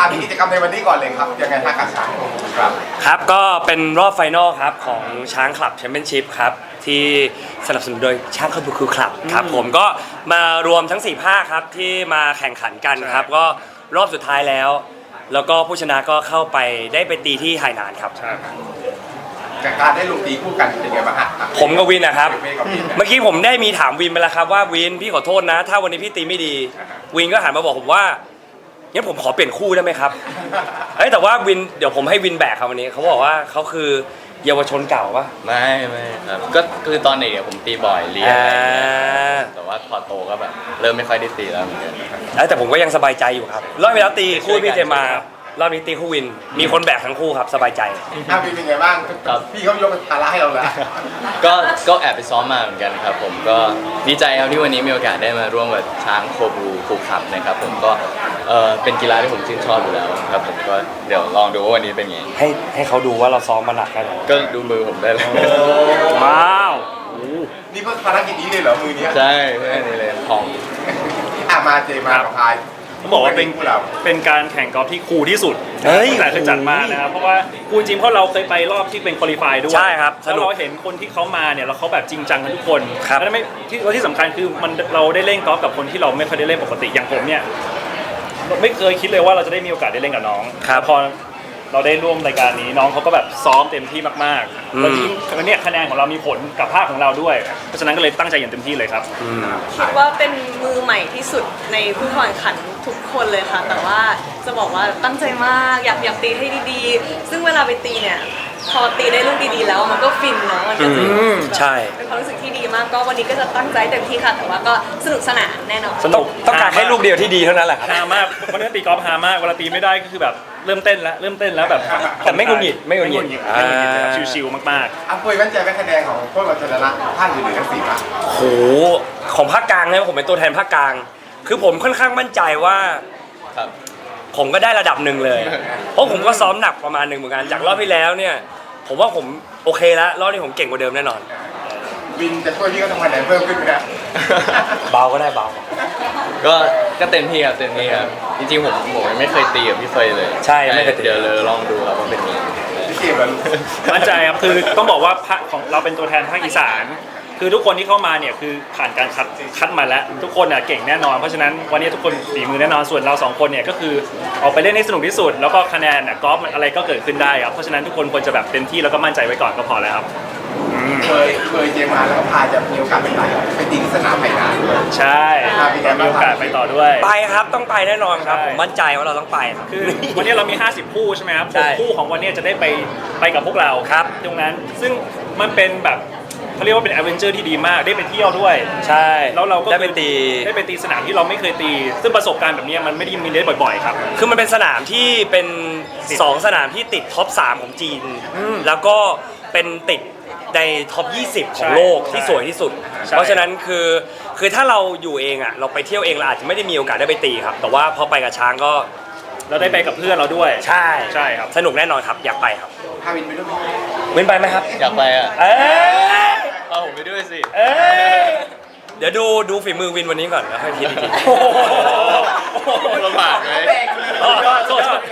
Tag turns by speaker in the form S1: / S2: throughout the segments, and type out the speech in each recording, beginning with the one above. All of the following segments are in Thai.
S1: ที่กิจกรรมในวันนี้ก่อนเลยครับยังไงท่ากับช้างครับ
S2: ครับก็เป็นรอบไฟนอลครับของช้างคลับแชมเปี้ยนชิพครับที่สนับสนุนโดยช้างคาบูคูคลับครับผมก็มารวมทั้ง4ภาคครับที่มาแข่งขันกันครับก็รอบสุดท้ายแล้วก็ผู้ชนะก็เข้าไปได้ไปตีที่ไหหนานครับ
S1: จากการได้ลงตีคู่กันเป็นไงบ้างฮะ
S2: ผมกับวินนะครับเมื่อกี้ผมได้มีถามวินไปแล้วครับว่าวินพี่ขอโทษนะถ้าวันนี้พี่ตีไม่ดีวินก็หันมาบอกผมว่างั้นผมขอเปลี่ยนคู่ได้ไหมครับแต่ว่าวินเดี๋ยวผมให้วินแบกครับวันนี้เขาบอกว่าเขาคือเยาวชนเก่าปะ
S3: ไม่ครับก็คือตอนเด็กผมตีบ่อยเรียนแต่ว่าพอโตก็แบบเริ่มไม่ค่อยได้ตีแล้วเหมือนกัน
S2: แต่ผมก็ยังสบายใจอยู่ครับรอบที่แล้วตีคู่พี่เจมารอบนี้ตีคู่วินมีคนแบกทั้งคู่ครับสบายใจ
S1: วินเป็นไงบ้างพี่เขายกภาระให้เราแล้ว
S3: ก็แอบไปซ้อมมาเหมือนกันครับผมก็ดีใจครับที่วันนี้มีโอกาสได้มาร่วมกับช้างโคบูคูคับนะครับผมก็เป็นกีฬาที่ผมชื่นชอบอยู่แล้วครับผมก็เดี๋ยวลองดูว่าวันนี้เป็นไง
S2: ให้เขาดูว่าเราซ้อมมาหนักกัน
S3: ก็ดูมือผมได้เลย
S2: ว้าว
S1: นี่เพิ่งภารกิจนี้เลยเหรอมือนี้
S3: ใช่ใช่นี่เลยของ
S1: มาเจมากับพาย
S4: เขาบอกว่าเป็นการแข่งกอล์ฟที่คูลที่สุดแต่เคยจัดมานะครับเพราะว่าคูลจริงเพราะเราเคยไปรอบที่เป็นควอลิฟายด้วย
S2: ใช่ครับ
S4: แล้วเราเห็นคนที่เขามาเนี่ยแล้วเขาแบบจริงจังกันทุกคนแล้วไม่ที่สำคัญคือเราได้เล่นกอล์ฟกับคนที่เราไม่เคยได้เล่นปกติอย่างผมเนี่ยไม่เคยคิดเลยว่าเราจะได้มีโอกาสได้เล่นกับน้องพอเราได้ร่วมรายการนี้น้องเขาก็แบบซ้อมเต็มที่มากๆแล้วยิ่งเนี่ยคะแนนของเรามีผลกับภาคของเราด้วยเพราะฉะนั้นก็เลยตั้งใจอย่างเต็มที่เลยครับ
S5: คิดว่าเป็นมือใหม่ที่สุดในผู้แข่งขันทุกคนเลยค่ะแต่ว่าจะบอกว่าตั้งใจมากอยากตีให้ดีๆซึ่งเวลาไปตีเนี่ยพอตีได้ลูกดีๆแล้วมันก็ฟินเนาะมันก็จะ
S2: ใช่
S5: เป็นความรู้สึกที่ดีมากก็วันนี้ก็จะตั้งใจเต็มที่ค่ะแต่ว่าก็สนุกสนานแน่นอน
S2: สนุกต้องการให้ลูกเดียวที่ดีเท่านั้นแหละครับ
S4: ฮามากวันนี้ตีกอล์ฟฮามากเวลาตีไม่ได้ก็คือแบบเริ่มเต้นแล้วแบบ
S2: แต่ไม่งุนหงิด
S4: ชิวๆมาก
S1: ๆปุ้ยมั่นใจไหมคะแนนของพวกเราชนะท่านอื่นๆทั้ง4 ภาค
S2: โหของภาคกลางนะผมเป็นตัวแทนภาคกลางคือผมค่อนข้างมั่นใจว่าผมก็ได้ระดับหนึ่งเลยเพราะผมก็ซ้อมหนักประมาณหนึ่งเหมือนกันจากรอบที่แล้วเนี่ยผมว่าผมโอเคแล้วรอบนี้ผมเก่งกว่าเดิมแน่นอน
S1: วินจะช่วยพี่ก็ต้องคะแนนเพิ่มขึ้นไหมครับ
S2: เบาก็ได้เบา
S3: ก็เต็มที่ครับจริงๆผมไม่เคยตีกับพี่เฟยเลย
S2: ใช่ไม่เคย
S3: เดี๋ยวลองดูครับว่าเป็นยังไง
S1: พี่เกมมัน
S4: มั่นใจครับคือต้องบอกว่าของเราเป็นตัวแทนภาคอีสานคือทุกคนที่เข้ามาเนี่ยคือผ่านการคัดมาแล้วทุกคนเก่งแน่นอนเพราะฉะนั้นวันนี้ทุกคนฝีมือแน่นอนส่วนเรา2คนเนี่ยก็คือออกไปเล่นให้สนุกที่สุดแล้วก็คะแนนกอล์ฟอะไรก็เกิดขึ้นได้ครับเพราะฉะนั้นทุกคนควรจะแบบเต็มที่แล้วก็มั่นใจไว้ก่อนก็พอแล้วครับ
S1: เคยเจมาแล้วก็พาจะมีโอกาสไปตีที่สนามไหหนานด้วย
S4: ใช่มีโอกาสไปต่อด้วย
S2: ไปครับต้องไปแน่นอนครับผมมั่นใจว่าเราต้องไป
S4: คือวันนี้เรามี50คู่ใช่ไหมครับคู่ของวันนี้จะได้ไปกับพวกเรา
S2: ครับ
S4: ตรงนั้นซึ่งมันเป็นแบบเขาเรียกว่าเป็นแอดเวนเจอร์ที่ดีมากได้ไปเที่ยวด้วย
S2: ใช่
S4: แล้วเราก็
S2: ได้ไป
S4: ตีสนามที่เราไม่เคยตีซึ่งประสบการณ์แบบนี้มันไม่ได้มีได้บ่อยๆครับ
S2: คือมันเป็นสนามที่เป็น2 สนามที่ติดท็อป 3ของจีนแล้วก็เป็นติดในท็อป 20 ของโลกที่สวยที่สุดเพราะฉะนั้นคือถ้าเราอยู่เองอ่ะเราไปเที่ยวเองเราอาจจะไม่ได้มีโอกาสได้ไปตีครับแต่ว่าพอไปกับช้างก็
S4: เราได้ไปกับเพื่อนเราด้วย
S2: ใ
S4: ช่ครับ
S2: สนุกแน่นอนครับอยากไปครับ
S1: พาวินไปด้วย
S2: วินไปไหมครับ
S3: อยากไปอ่ะเอาผมไปด้วยสิ
S2: เดี๋ยวดูฝีมือวินวันนี้ก่อนแล้วค่อยคิดอีกที
S3: ลำบากไหม
S1: เราเต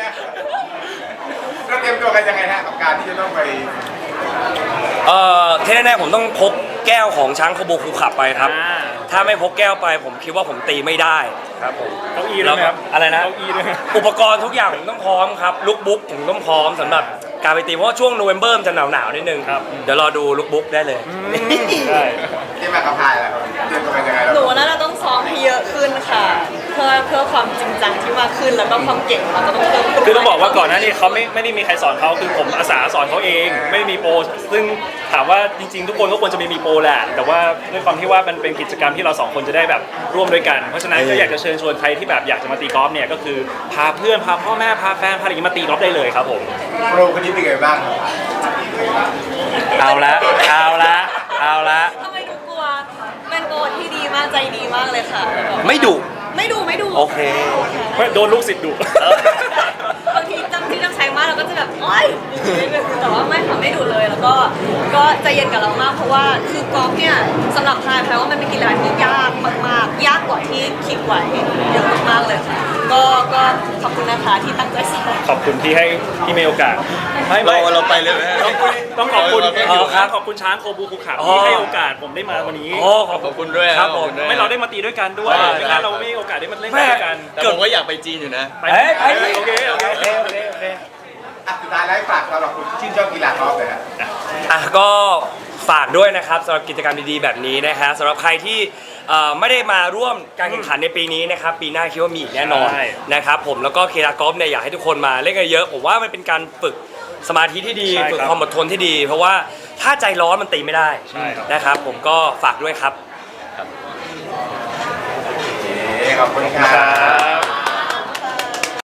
S1: รียมตัวกันยังไงฮะกับการที่จะต้องไป
S2: ที่แน่ๆผมต้องพกแก้วของช้างโคบูคูขับไปครับถ้าไม่พกแก้วไปผมคิดว่าผมตีไม่ได้ครับผม
S4: เก้าอี้ด้วยครับ
S2: อะไรนะ
S4: เก้าอี้ด้วย
S2: อุปกรณ์ทุกอย่างผมต้องพร้อมครับลุคบุ๊กผมต้องพร้อมสำหรับการไปตีเพราะว่าช่วงโนเวมเบอร์จะหนาวนิดนึงเดี๋ยวรอดูลุคบุ๊กได้เลย
S1: ที่มากับพายแล้วเตรียมตัวกันยังไง
S5: หนูน่าจะต้องซ้อมให้เยอะขึ้นค่ะเพื่อความจริงจังที่มากขึ้นแล้วก็ความเก่งเราจะต้องเพิ่มขึ้น
S4: คือต้องบอกว่าก่อนหน้านี้เขาไม่ได้มีใครสอนเขาคือผมอาสาสอนเขาเองไม่ได้มีโปรซึ่งถามว่าจริงๆทุกคนก็ควรจะมีโปรแหละแต่ว่าด้วยความที่ว่ามันเป็นกิจกรรมที่เรา2 คนจะได้แบบร่วมด้วยกันเพราะฉะนั้นก็อยากจะเชิญชวนใครที่แบบอยากจะมาตีกอล์ฟเนี่ยก็คือพาเพื่อนพาพ่อแม่พาแฟนพาอะไรมาตีกอล์ฟได้เลยครับผม
S1: โปรคนนี้เป็นไงบ้าง
S2: เอาละ
S5: ทำไมดูกลัวเป็นโปรที่ดีมากใจดีมากเลยค่ะ
S2: ไม่ดุโอเค
S4: โดนลูกศิษย์ดุ
S5: บางทีจำใช้มากเราก็จะแบบโอ๊ยแต่ว่าไม่ดุเลยแล้วก็ใจเย็นกับเรามากเพราะว่าคือกอล์ฟเนี่ยสำหรับพายแปลว่ามันเป็นกีฬาที่ยากมากๆยากกว่าที่คิดไว้เยอะมากๆเลยค่ะก็ขอบคุณนะคะที่ตั้งใจสอน
S4: ขอบคุณที่ให้ที่มีโอกาสไม่
S3: เราไปเลยไหม
S4: ต้องขอบคุณ
S3: ครับ
S4: ขอบคุณช้างโคบูคุขับ
S2: อ๋อ
S4: ที่ให้โอกาสผมได้มาวันนี้
S2: โอ้ขอบ
S3: ขอบคุณด้วย
S2: ครับผม
S3: ขอบคุณด้วย
S4: ไม่เราได้มาตีด้วยกันด้วย
S3: ใช่
S4: ไม่งั้นเราไม่มีโอกาสได้มาเล่นด้วยกัน
S3: แต่ผมก็อยากไปจีนอยู่นะ
S4: ไป
S2: ไป
S4: โอเคโอเค
S2: โอเคโอเคโอเค
S1: อ่ะสุดท้ายแล้วให้ฝากสำหรับคนที่ชื่นชอบกีฬากอล์ฟเลยครับ
S2: ก็ฝากด้วยนะครับสำหรับกิจกรรมดีๆแบบนี้นะฮะสำหรับใครที่ไม่ได้มาร่วมการแข่งขันในปีนี้นะครับปีหน้าคิดว่ามีอีกแน่นอนนะครับผมแล้วก็กีฬากอล์ฟเนี่ยอยากให้ทุกคนมาเล่นกันเยอะผมว่ามันเป็นการฝึกสมาธิที่ดีฝึกความอดทนที่ดี เพราะว่าถ้าใจร้อนมันตีไม่ได้นะครับผมก็ฝากด้วยครับ
S1: โอเคขอบคุณครับ